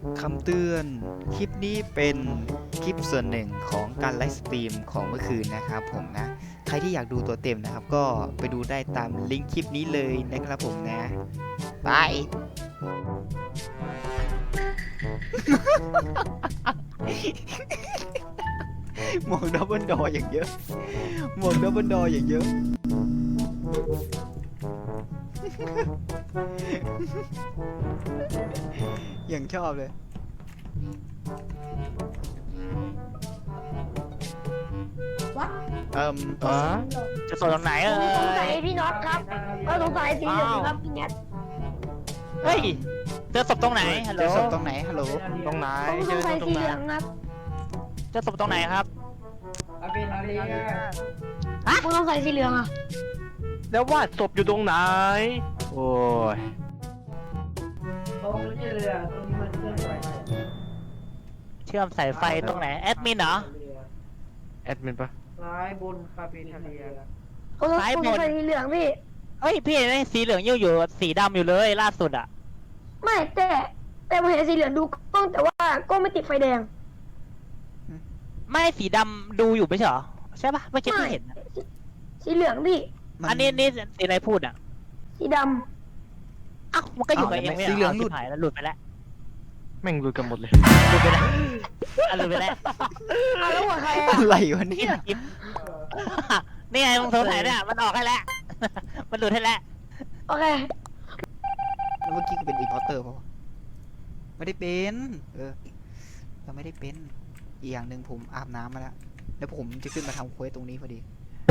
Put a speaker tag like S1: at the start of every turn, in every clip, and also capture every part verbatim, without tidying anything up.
S1: คำเตือนคลิปนี้เป็นคลิปส่วนหนึ่งของการไลฟ์สตรีมของเมื่อคืนนะครับผมนะใครที่อยากดูตัวเต็มนะครับก็ไปดูได้ตามลิงก์คลิปนี้เลยนะครับผมนะบาย หมวกดับเบิลดออย่างเยอะหมวกดับเบิลดออย่างเยอะ อย่างชอบเลย
S2: วัด
S1: เอ่ม
S3: อ๋อจะส่งตรงไหนเอ่
S2: ผมสงสัย
S3: ย
S2: พี่น็อตครับก็สงสัยสีเหลืองครับพี่แนท
S3: เฮ้ยเจอศพตรงไหนฮัลโหล
S1: เจอศพตรงไหนฮัลโหล
S3: ตรงไหน
S2: ผมสงสัยสีเหลืองครับ
S3: เจอศพตรงไหนครับ
S2: ผมสงสัยสีเหลืองอ่ะ
S4: แล้วว่าศพอยู่ตรงไหน โอ้ย
S5: ตรงนี้เลยอ่ะตรงนี้มันเคลื่อนไหว
S3: เชื่อมสายไฟตรงไหนแอดมินเหรอ
S4: แอดมินปะ
S5: ซ้ายบนคาเฟ่ทะเล
S2: ผมสง
S3: ซ้ายบน
S2: สัยสีเหลืองพี่
S3: เฮ้ยพี่ไอ้สีเหลืองยังอยู่สีดำอยู่เลยล่าสุดอ่ะ
S2: ไม่แต่แต่ผมเห็นสีเหลืองดูกล้องแต่ว่ากล้องไม่ติดไฟแดง
S3: ไม่สีดำดูอยู่ไม่ใช่เหรอใช่ปะเมื่อกี้ที่เห็นอะ
S2: สีเหลืองพี่
S3: อันนี้นี่สีอะไรพูดอ่ะ
S2: สีด
S3: อ้าวมันก็อยู่กับเองไม่
S1: สีเหลืองห
S3: ห
S1: ลุ
S3: ลุ
S1: ด
S3: ดหายแล้วหลุดไปแล้ว
S4: แม่งรู้กันหมดเลย
S3: หลุดไปแล้วอ่ะหลุดไปแล้ว
S2: ำเอาแล้วหัวใครอ่ะ
S1: อะไรวะเนี่ย
S3: นี่ไงมึงโทรถ่ายเนี่ยมันออกให้แล้ว มันหลุดให้แล้ว
S2: โอเค
S1: แล้วเมื่อกี้กูเป็นอีพอร์เตอร์ป่าวะไม่ได้เป็นเออเราไม่ได้เป็นอีกอย่างหนึ่งผมอาบน้ำมาแล้วแล้วผมจะขึ้นมาทำเควสตรงนี้พอดี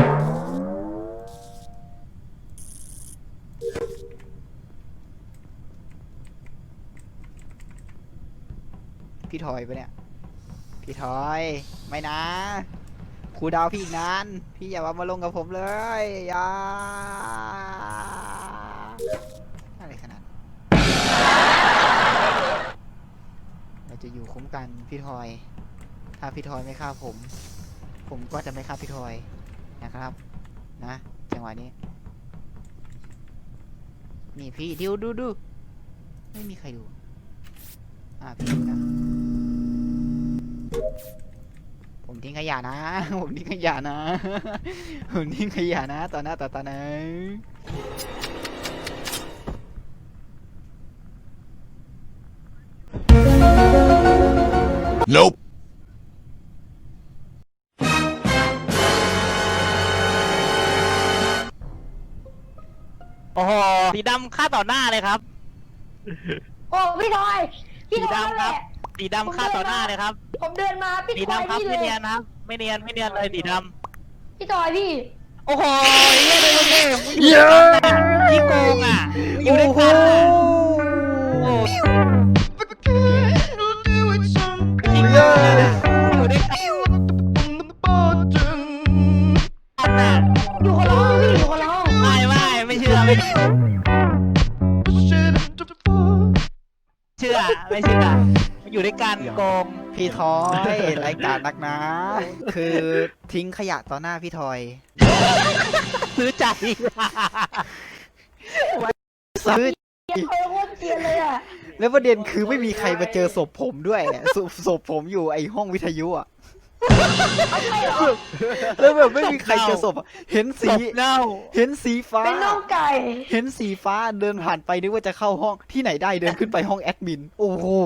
S1: พี่ทอยปะเนี่ยพี่ทอยไม่นะครูดาวพี่อีกนานพี่อย่ามาลงกับผมเลยอย่าอะไรขนาดเราจะอยู่คุ้มกันพี่ทอยถ้าพี่ทอยไม่ฆ่าผม ผมก็จะไม่ฆ่าพี่ทอยนะครับนะจังหวะนี้นี่พี่ดูดูดูไม่มีใครดูอ่าพี่ดูนะผมทิ้งขยะนะ ผมทิ้งขยะนะ ผมทิ้งขยะนะต่อหน้าต่อตานะ
S6: Nope.
S3: โอ้โหสีดำฆ่าต่อหน้าเลยครับ
S2: โอ้พี่ทอยพี่
S3: สี
S2: ทอยนั่น
S3: ดำ
S2: แห
S3: ครับ
S2: ละ
S3: สีดำฆ่าต่อหน้าเลยครับ
S2: ผมเดินมาพี่
S3: สี
S2: ทอย
S3: ดำครับ
S2: พี่เล
S3: ไม่
S2: ย
S3: เนียนนะครับ ไม่เนียนไม่เนียนเลยสีด
S2: พี่ทอยพี่
S3: ำโอ้โหเย้เลยเย้เย้ที่โกงอ่ะอยู่ด้วยกันอ่ะโอ้โหที่โกงอ่ะอยู่ด้วยกันอ่ะ
S2: อยู่คนละห้องพี่อยู่คนละห้อง
S3: ไม่ไม่ไม่เชื่อไม่เชื่อเชื่อไม่เชื่ออยู่ด้วยกันโกง
S1: พี่ทอยรายการนักนะ คือทิ้งขยะต่อหน้าพี่ทอย
S3: ซื้อใจ
S1: ซื้อ
S2: เกลียดเขาโคตรเกลียดเลยอ่ะ
S1: แล้วประเด็นคือไม่มีใครมาเจอศพผมด้วยศพศพผมอยู่ไอห้องวิทยุอ่ะ แล้วแบบไม่มีใครเจอศพอะเห็น
S3: ศ
S1: สี
S3: พเน่า
S1: เห็นสีฟ้า
S2: เป็นน้องไก่
S1: เห็นสีฟ้าเดินผ่านไปนึกว่าจะเข้าห้องที่ไหนได้เดินขึ้นไปห้องแอดมิน โอ้โห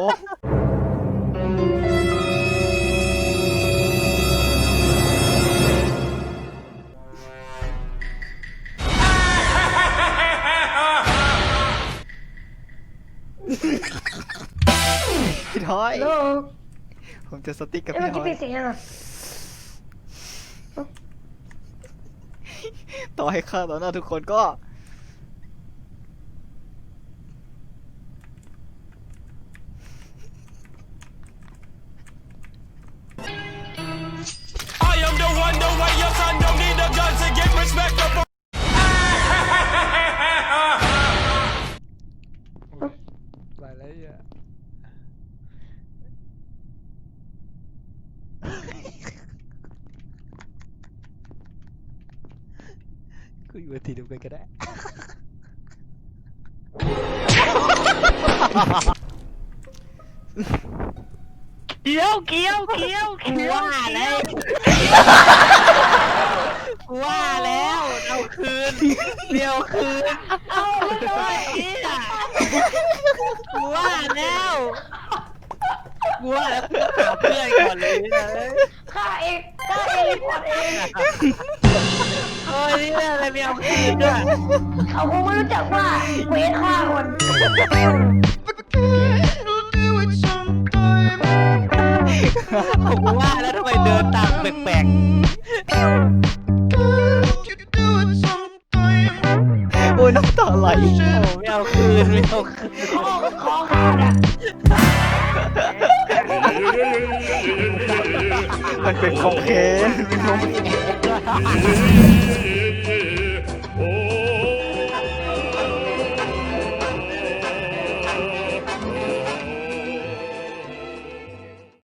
S1: พี่ทอย
S2: โล
S1: ผมจะสติ๊กกับ
S2: เอ้ย
S1: พี่
S2: เมื่อ
S1: ทอย
S2: กี้ปิดเสียงยังอ่ะ
S1: ต่อให้ฆ่าต่อหน้าทุกคนก็
S6: I am the one, the way your son don't need a gun to get respect up.
S4: ไปแล้วอ่ะ
S1: กูอยู่ทีเดียวกันก็ได้
S3: เกี้ยวเกี้ยวเกี้ยวกูว่าแล้วกูว่าแล้วเอาคืนเดี๋ยวคืนเอาเลยอ่ะกูว่าแล้วกูว่าแล้วกูหาเพื่อนก่อนเลยนะ
S2: ฆ่าเองฆ่าเองรีพอร์ตเอง
S3: โอ้ยนี่อะไรไม่เอาคืนด้วย
S2: เขาคงไม่รู้จักว่าเควสฆ่าคน
S3: ผมว่าแล้วทำไมเดินตามแปลก
S1: โอ้ยน้ำตาไหล
S3: ๆโอ้ไม่เอาคืนไม่เอาคืน
S2: คอคอขาดอ่ะ
S1: มันเป็นของเคนเป็นของ
S3: เ